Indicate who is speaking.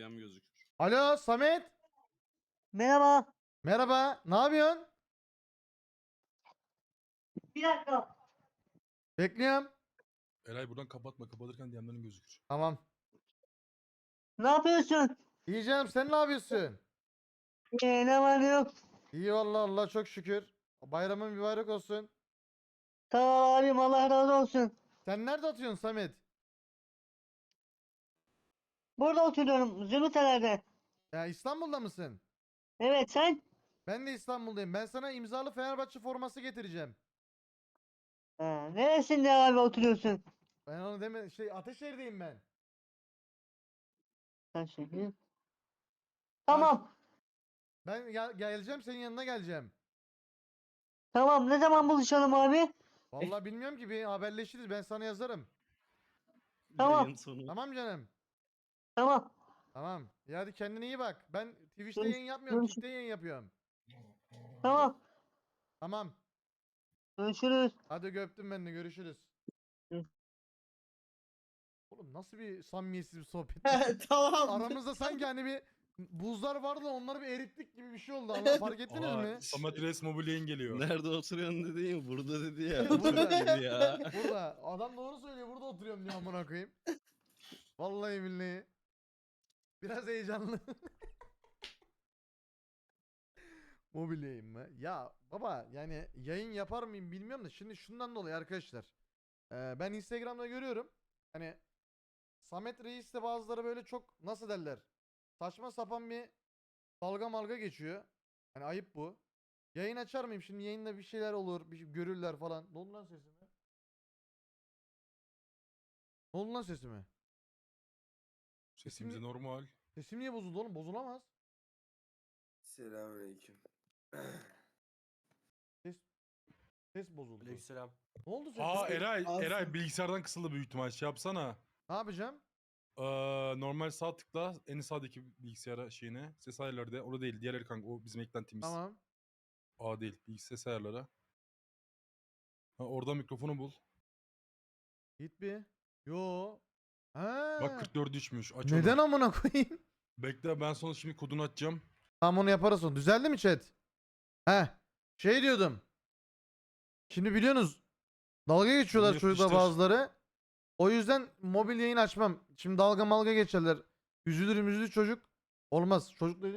Speaker 1: Dünyam gözükür.
Speaker 2: Alo Samet.
Speaker 3: Merhaba.
Speaker 2: Merhaba. Ne yapıyorsun?
Speaker 3: Bir dakika.
Speaker 2: Bekliyorum.
Speaker 4: Eray buradan kapatma. Kapatırken DM'lerin gözükür.
Speaker 2: Tamam.
Speaker 3: Ne yapıyorsun?
Speaker 2: İyi canım, sen ne yapıyorsun?
Speaker 3: Ne var ne yok.
Speaker 2: İyi vallahi, Allah çok şükür. Bayramın mübarek olsun.
Speaker 3: Tamam abim, Allah razı olsun.
Speaker 2: Sen nerede atıyorsun Samet?
Speaker 3: Burada oturuyorum. Zümrütelerde.
Speaker 2: Ya İstanbul'da mısın?
Speaker 3: Evet, sen?
Speaker 2: Ben de İstanbul'dayım. Ben sana imzalı Fenerbahçe forması getireceğim.
Speaker 3: Neresinde abi oturuyorsun?
Speaker 2: Ben onu deme, Ateşehir'deyim ben.
Speaker 3: Sen şimdi. Tamam.
Speaker 2: Ben geleceğim, senin yanına geleceğim.
Speaker 3: Tamam, ne zaman buluşalım abi?
Speaker 2: Vallahi bilmiyorum ki, bir haberleşiriz, ben sana yazarım.
Speaker 3: Tamam.
Speaker 1: Yayın sonu.
Speaker 2: Tamam canım.
Speaker 3: Tamam.
Speaker 2: Tamam. Ya hadi kendine iyi bak. Ben Twitch'te
Speaker 3: Görüş-
Speaker 2: yayın yapmıyorum,
Speaker 3: görüş-
Speaker 2: Kick'te yayın yapıyorum.
Speaker 3: Tamam.
Speaker 2: Tamam.
Speaker 3: Görüşürüz.
Speaker 2: Hadi öptüm, ben de görüşürüz.
Speaker 3: Hı.
Speaker 2: Oğlum nasıl bir samimiyetsiz bir sohbet.
Speaker 5: Tamam.
Speaker 2: Aramızda sanki hani bir buzlar vardı da onları bir erittik gibi bir şey oldu. Allah, fark ettiniz mi?
Speaker 4: Samet Reis Mobilya'nın geliyor.
Speaker 1: Nerede oturuyorsun dedi ya, burada dedi ya.
Speaker 2: Burada.
Speaker 1: Oturuyor dedi ya.
Speaker 2: Burada. Adam doğru söylüyor. Burada oturuyorum diyor, amına koyayım. Vallahi billahi. Biraz heyecanlı. Mobilyayım mı? Ya baba, yani yayın yapar mıyım bilmiyorum da şimdi şundan dolayı arkadaşlar. Ben Instagram'da görüyorum. Hani Samet Reis de bazıları böyle çok, nasıl derler, saçma sapan bir dalga malga geçiyor. Hani ayıp bu. Yayın açar mıyım? Şimdi yayında bir şeyler olur, bir şey görürler falan. Ne oldu lan sesime? Ne oldu lan sesime?
Speaker 4: Sesimiz normal.
Speaker 2: Sesim niye bozuldu oğlum? Bozulamaz.
Speaker 6: Selamünaleyküm.
Speaker 2: Ses bozuldu.
Speaker 5: Aleykümselam.
Speaker 2: Ne oldu sesime?
Speaker 4: Aa Eray,
Speaker 5: Alsın.
Speaker 4: Eray bilgisayardan kısıldı büyük ihtimal. Şey yapsana.
Speaker 2: Ne yapacağım?
Speaker 4: Normal sağ tıkla en sağdaki bilgisayara şeyine. Ses ayarları de. O değil. Diğer kanka. O bizim eklentimiz.
Speaker 2: Tamam.
Speaker 4: A değil. Bilgisayar ses ayarları. Ha, orada mikrofonu bul.
Speaker 2: Git bir. Yo. Ha.
Speaker 4: Bak 44 düşmüş. Aç onu.
Speaker 2: Neden amına koyayım?
Speaker 4: Bekle ben sonra şimdi kodunu açacağım.
Speaker 2: Tamam, onu yaparız sonra. Düzeldi mi chat? He. Şey diyordum. Şimdi biliyorsunuz dalga geçiyorlar
Speaker 4: Bunu
Speaker 2: çocuklar
Speaker 4: yapıştır.
Speaker 2: bazıları. O yüzden mobil yayın açmam. Şimdi dalga malga geçerler. Üzülür çocuk. Olmaz. Çocuk dediğim